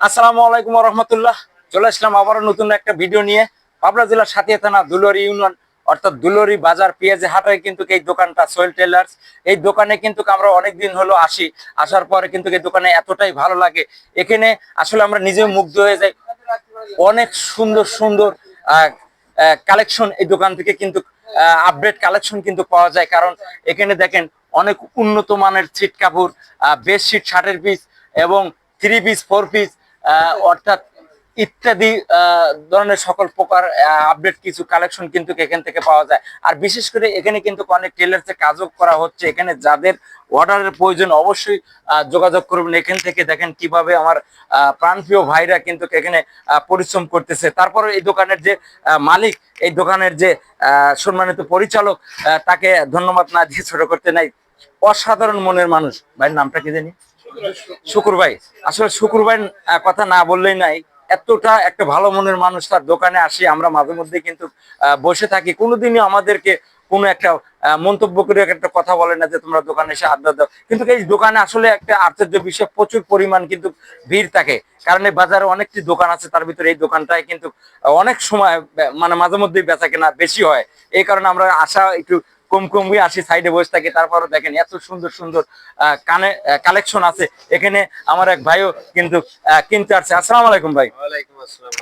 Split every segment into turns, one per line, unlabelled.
আসসালামু আলাইকুম ওয়া রাহমাতুল্লাহ। চলে আসলাম আবারও নতুন একটা ভিডিও নিয়ে। পাবনা জেলার সাথিয়া থানা দুলরি ইউনিয়ন অর্থাৎ দুলরি বাজার পেঁয়াজি হাটায় কিন্তু এই দোকানটা সোহেল টেলার্স। এই দোকানে কিন্তু আমরা অনেকদিন হলো আসার পরে কিন্তু এই দোকানে এতটাই ভালো লাগে, এখানে আসলে আমরা নিজেও মুগ্ধ হয়ে যাই। অনেক সুন্দর সুন্দর কালেকশন এই দোকান থেকে কিন্তু আপডেট কালেকশন কিন্তু পাওয়া যায়। কারণ এখানে দেখেন অনেক উন্নত মানের ছিট কাপড়, বেডশিট, শার্টের পিস এবং 3 পিস 4 পিস অর্থাৎ ইত্যাদি ধরনের সকল প্রকার আপডেট কিছু কালেকশন কিন্তু এখান থেকে পাওয়া যায়। আর বিশেষ করে এখানে কিন্তু অনেক টেলার্সের কাজও করা হচ্ছে। এখানে যাদের অর্ডারের প্রয়োজন অবশ্যই যোগাযোগ করবেন। এখান থেকে দেখেন কিভাবে আমার প্রাণপ্রিয় ভাইরা কিন্তু এখানে পরিশ্রম করতেছে। তারপরে এই দোকানের যে মালিক, এই দোকানের যে সম্মানিত পরিচালক, তাকে ধন্যবাদ না দিয়ে ছোট করতে নাই। অসাধারণ মনের মানুষ। ভাইয়ের নামটা কি জানি? শুকুর ভাই। আসলে শুকুর ভাই কথা না বললেই নাই, এতটা একটা ভালো মনের মানুষ। তার দোকানে আসি আমরা মাঝে মধ্যে কিন্তু বসে থাকি, কোনোদিনই আমাদেরকে কোনো একটা মন্তব্য করে একটা কথা বলে না যে তোমরা দোকানে এসে আড্ডা দাও। কিন্তু এই দোকানে আসলে একটা আশ্চর্য বিষয়, প্রচুর পরিমাণ কিন্তু ভিড় থাকে। কারণ এই বাজারে অনেকটি দোকান আছে, তার ভিতরে এই দোকানটায় কিন্তু অনেক সময় মানে মাঝে মধ্যেই বেচা কেনা বেশি হয়। এই কারণে আমরা আসা একটু কম কমই আসি, সাইডে বসে থাকি। তারপরে দেখেন এত সুন্দর সুন্দর কালেকশন আছে এখানে। আমার এক ভাইও কিন্তু কিনতে আসছে। আসসালামু আলাইকুম ভাই।
ওয়ালাইকুম আসসালাম।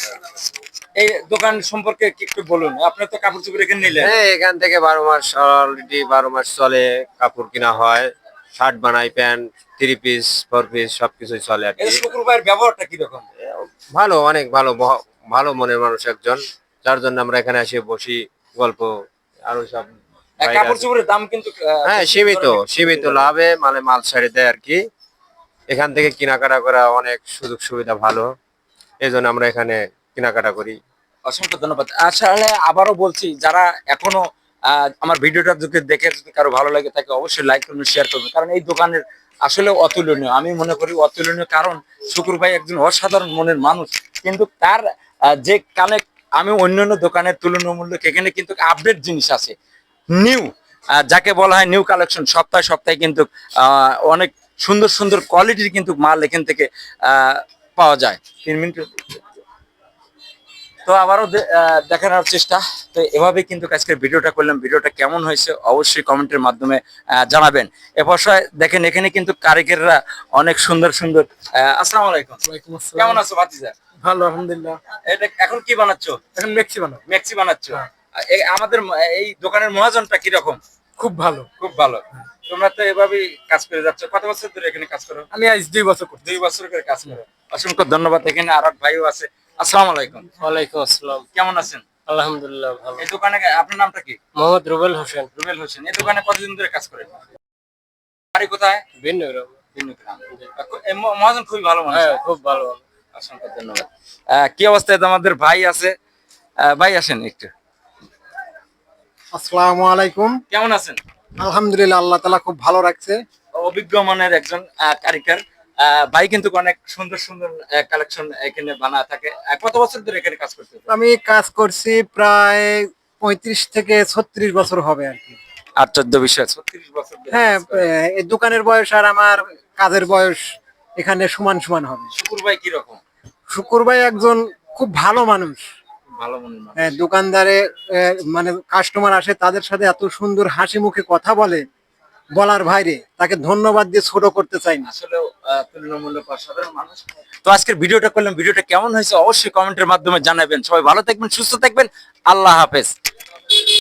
এই দোকান সম্পর্কে একটু বলুন। আপনি তো কাপড় চোপড় এখানে নিলেন?
হ্যাঁ, এখান থেকে 12 মাস অলরেডি 12 মাস চলে, কাপড় কিনা হয়, শার্ট বানাই, প্যান্ট, 3 পিস 4 পিস সবকিছুই চলে আর
এই
কি।
শুকুর ভাইয়ের ব্যবহারটা কিরকম?
ভালো, অনেক ভালো, ভালো মনের মানুষ একজন, যার জন্য আমরা এখানে এসে বসি, গল্প আরো সব বাইরে
কাপড়
আছে।
চোপড়ের দাম কিন্তু
হ্যাঁ, সীমিত লাভে মাল ছাড়ে দেয় আর কি। এখান থেকে কেনাকাটা করা অনেক সুযোগ সুবিধা ভালো, এই জন্য আমরা এখানে কেনাকাটা করি।
অসংখ্য ধন্যবাদ। আসলে আবারও বলছি, যারা এখনো আমার ভিডিওটা যদি দেখে যদি কারো ভালো লাগে থাকে অবশ্যই লাইক করবেন, শেয়ার করবেন। কারণ এই দোকানের আসলে অতুলনীয়, আমি মনে করি অতুলনীয়। কারণ শুকুর ভাই একজন অসাধারণ মনের মানুষ। কিন্তু তার যে কানেক্ট, আমি অন্যান্য দোকানের তুলনামূলক এখানে কিন্তু আপডেট জিনিস আছে, নিউ, যাকে বলা হয় নিউ কালেকশন। সপ্তাহে সপ্তাহে কিন্তু অনেক সুন্দর সুন্দর কোয়ালিটির কিন্তু মাল এখান থেকে পাওয়া যায়। 3 মিনিট তো আবারও দেখানোর চেষ্টা। তো এভাবে কিন্তু আজকের ভিডিওটা করলাম। ভিডিওটা কেমন হয়েছে অবশ্যই কমেন্টের মাধ্যমে জানাবেন। এরপর দেখেন এখানে কিন্তু কারিগররা অনেক সুন্দর সুন্দর। আসসালামু আলাইকুম।
ওয়ালাইকুম আসসালাম।
কেমন আছো ভাতিজা?
ভালো, আলহামদুলিল্লাহ।
এটা এখন কি বানাচ্ছো?
এখন মেক্সি বানাবো।
মেক্সি বানাচ্ছো?
হ্যাঁ।
আমাদের এই দোকানের মহাজনটা কিরকম?
খুব ভালো।
খুব ভালো। তোমরা তো এভাবেই কাজ করে যাচ্ছ। কত বছর ধরে এখানে কাজ করো?
আমি আজ 2 বছর করছি।
2 বছর করে কাজ করো। অসংখ্য ধন্যবাদ। এখানে আর এক ভাইও আছে। আসসালামু আলাইকুম।
ওয়ালাইকুম আসসালাম।
কেমন আছেন?
আলহামদুলিল্লাহ ভালো।
এই দোকানে আপনার নামটা কি?
মোহাম্মদ রুবেল হোসেন।
রুবেল হোসেন। এই দোকানে কতদিন ধরে কাজ করেন? বাড়ি কোথায়?
ভিন্নগ্রাম।
ভিন্নগ্রাম। মহাজন খুবই ভালো মানুষ।
হ্যাঁ, খুব ভালো।
অসংখ্য ধন্যবাদ। কি অবস্থায় আমাদের ভাই আছে? ভাই আসেন একটু।
আসসালামু আলাইকুম।
কেমন আছেন?
আলহামদুলিল্লাহ, আল্লাহ তাআলা খুব ভালো রাখছে।
অভিজ্ঞ মানের একজন কারিগর। ভাই কিন্তু অনেক সুন্দর সুন্দর কালেকশন এখানে বানা থাকে। কত বছর ধরে এখানে কাজ করতে?
আমি কাজ করছি প্রায় 35 থেকে 36 বছর হবে আর কি।
আশ্চর্য বিষয়, 36 বছর ধরে
হ্যাঁ,
কাজ করেন।
এই দোকানের বয়স আর আমার কাজের বয়স এখানে সমান সমান হবে।
শুকুর ভাই কিরকম?
শুকুর ভাই একজন খুব ভালো মানুষ।
ভালো মনের মানুষ।
দোকানদারে মানে কাস্টমার আসে, তাদের সাথে এত সুন্দর হাসি মুখে কথা বলে, বলার বাইরে। তাকে ধন্যবাদ দিয়ে ছোট করতে চাই না।
আসলে তুলনামূলক অসাধারণ মানুষ। তো আজকের ভিডিওটা করলাম, ভিডিওটা কেমন হয়েছে অবশ্যই কমেন্টের মাধ্যমে জানাবেন। সবাই ভালো থাকবেন, সুস্থ থাকবেন। আল্লাহ হাফেজ।